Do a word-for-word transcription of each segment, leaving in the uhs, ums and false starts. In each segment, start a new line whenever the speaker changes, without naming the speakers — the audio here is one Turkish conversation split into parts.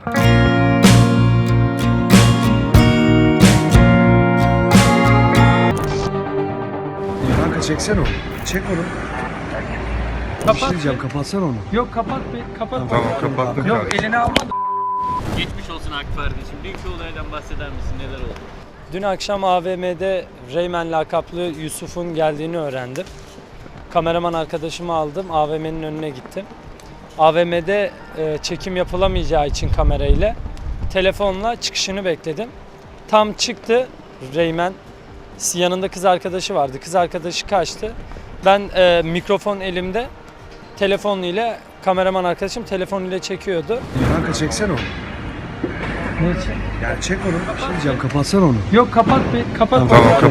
Kanka çeksene onu. Çek onu. Bir şey
Kapat.
diyeceğim, kapatsana onu.
Yok kapat bir kapat.
Tamam, kapattım
Yok
kardeşim.
elini alma.
Geçmiş olsun Akif kardeşim. Dünkü olaydan bahseder misin? Neler oldu?
Dün akşam A V M'de Reymen lakaplı Yusuf'un geldiğini öğrendim. Kameraman arkadaşımı aldım. A V M'nin önüne gittim. A V M'de e, çekim yapılamayacağı için kamerayla telefonla çıkışını bekledim. Tam çıktı Reymen. Yanında kız arkadaşı vardı. Kız arkadaşı kaçtı. Ben e, mikrofon elimde. Telefon ile kameraman arkadaşım telefon ile çekiyordu.
Kanka çeksene onu.
Ne için?
Yani çek onu. Bir şey diyeceğim, kapatsana onu.
Yok kapat bir kapat.
Tamam, kapat.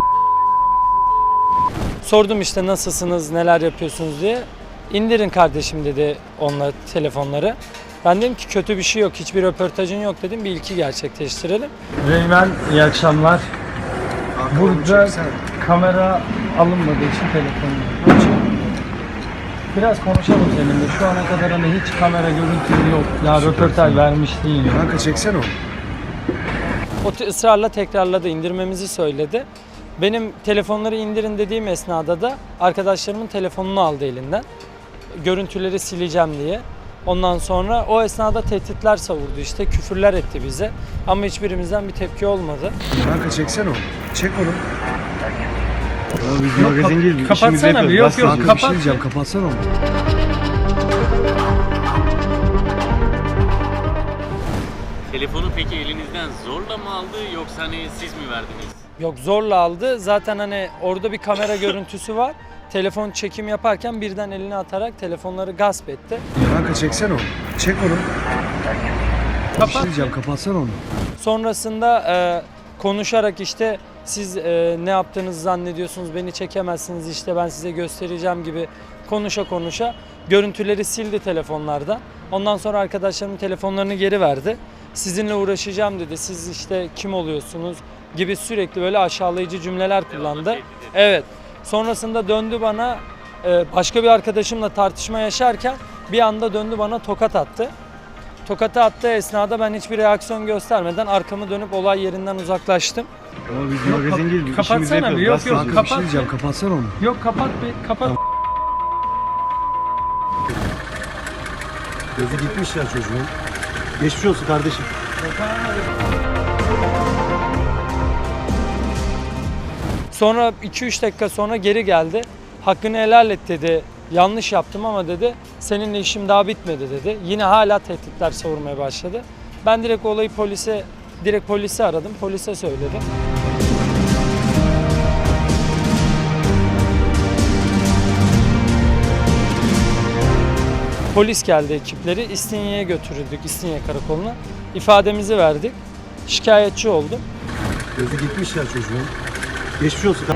Sordum işte nasılsınız, neler yapıyorsunuz diye. İndirin kardeşim dedi onunla telefonları. Ben dedim ki kötü bir şey yok, hiçbir röportajın yok dedim. Bir ilki gerçekleştirelim. Reymen iyi akşamlar.
Kanka onu
Burada
çeksene.
kamera alınmadığı için telefonum. Biraz konuşalım seninle. Şu ana kadar hani hiç kamera görüntülü yok. Ya röportaj vermiş değil.
Kanka çeksene onu.
O te- ısrarla tekrarladı, indirmemizi söyledi. Benim telefonları indirin dediğim esnada da arkadaşlarımın telefonunu aldı elinden. Görüntüleri sileceğim diye. Ondan sonra o esnada tehditler savurdu işte, küfürler etti bize. Ama hiçbirimizden bir tepki olmadı.
Kanka çeksene onu. Çek onu.
Ya biz magazin değil, biz
kapatsana
işimizi yapıyoruz.
bir, yok,
Bas
yok,
yazıyoruz.
Kanka bir şey
kapat.
diyeceğim, kapatsana onu.
Telefonu peki elinizden zorla mı aldı yoksa hani siz mi verdiniz?
Yok, zorla aldı. Zaten hani orada bir kamera görüntüsü var. Telefon çekim yaparken birden elini atarak telefonları gasp etti.
Kanka çeksene onu. Çek onu. Bir şey diyeceğim, kapatsana onu.
Sonrasında e, konuşarak işte siz e, ne yaptığınızı zannediyorsunuz, beni çekemezsiniz, işte ben size göstereceğim gibi konuşa konuşa görüntüleri sildi telefonlardan. Ondan sonra arkadaşlarımın telefonlarını geri verdi. Sizinle uğraşacağım dedi, siz işte kim oluyorsunuz gibi sürekli böyle aşağılayıcı cümleler kullandı.
tehdit etti.
Evet. Sonrasında döndü bana, e, başka bir arkadaşımla tartışma yaşarken bir anda döndü bana tokat attı. Tokatı attığı esnada ben hiçbir reaksiyon göstermeden arkamı dönüp olay yerinden uzaklaştım.
Ya biz magazin değil, biz
kapatsana
işimizi
bir,
yapıyoruz.
yok,
Bas
yok,
yazıyoruz.
Kanka bir şey
kapat.
diyeceğim, kapatsana onu.
Yok kapat bir kapat.
Gözü gitmiş ya çocuğun. Geçmiş olsun kardeşim.
Sonra iki üç dakika sonra geri geldi. Hakkını helal et dedi. Yanlış yaptım ama dedi. Seninle işim daha bitmedi dedi. Yine hala tehditler savurmaya başladı. Ben direkt olayı polise direkt polisi aradım. Polise söyledim. Polis geldi ekipleri. İstinye'ye götürüldük, İstinye Karakolu'na. İfademizi verdik. Şikayetçi oldum.
Gözü gitmiş ya çocuğun. Geçmiş olsun.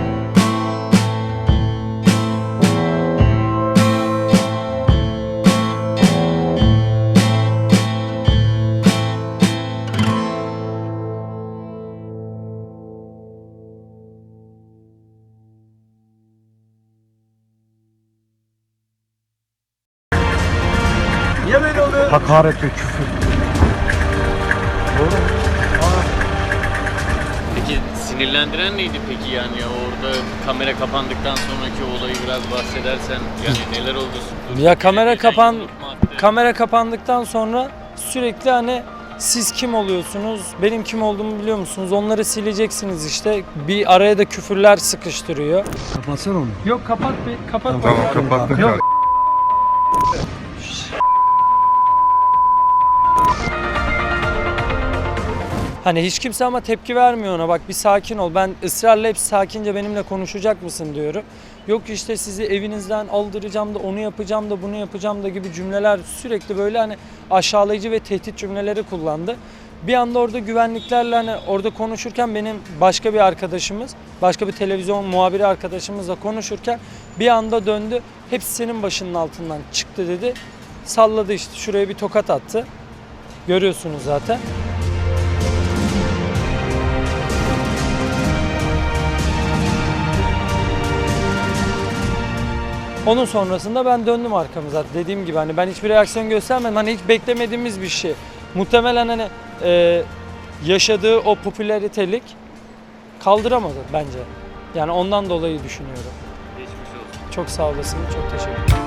Niye böyle oluyor?
Hakaret ve küfür.
Peki sinirlendiren neydi peki yani orada kamera kapandıktan sonraki olayı biraz bahsedersen yani neler oldu?
Ya kamera
Geçen
kapan
yumruk mu attı?
kamera kapandıktan sonra sürekli hani siz kim oluyorsunuz, benim kim olduğumu biliyor musunuz, onları sileceksiniz işte, bir araya da küfürler sıkıştırıyor.
Kapatsana onu.
Yok kapat bir kapat.
Tamam, kapattım
Yok.
kardeşim.
Hani hiç kimse ama tepki vermiyor ona, bak bir sakin ol, ben ısrarla hep sakince benimle konuşacak mısın diyorum. Yok işte sizi evinizden aldıracağım da onu yapacağım da bunu yapacağım da gibi cümleler, sürekli böyle hani aşağılayıcı ve tehdit cümleleri kullandı. Bir anda orada güvenliklerle hani orada konuşurken benim başka bir arkadaşımız, başka bir televizyon muhabiri arkadaşımızla konuşurken bir anda döndü. Hepsi senin başının altından çıktı dedi. Salladı işte, şuraya bir tokat attı. Görüyorsunuz zaten. Onun sonrasında ben döndüm arkamıza. Dediğim gibi hani ben hiçbir reaksiyon göstermedim. Hani hiç beklemediğimiz bir şey. Muhtemelen hani e, yaşadığı o popülaritelik kaldıramadı bence. Yani ondan dolayı düşünüyorum.
Geçmiş olsun.
Çok sağ olasın. Çok teşekkür ederim.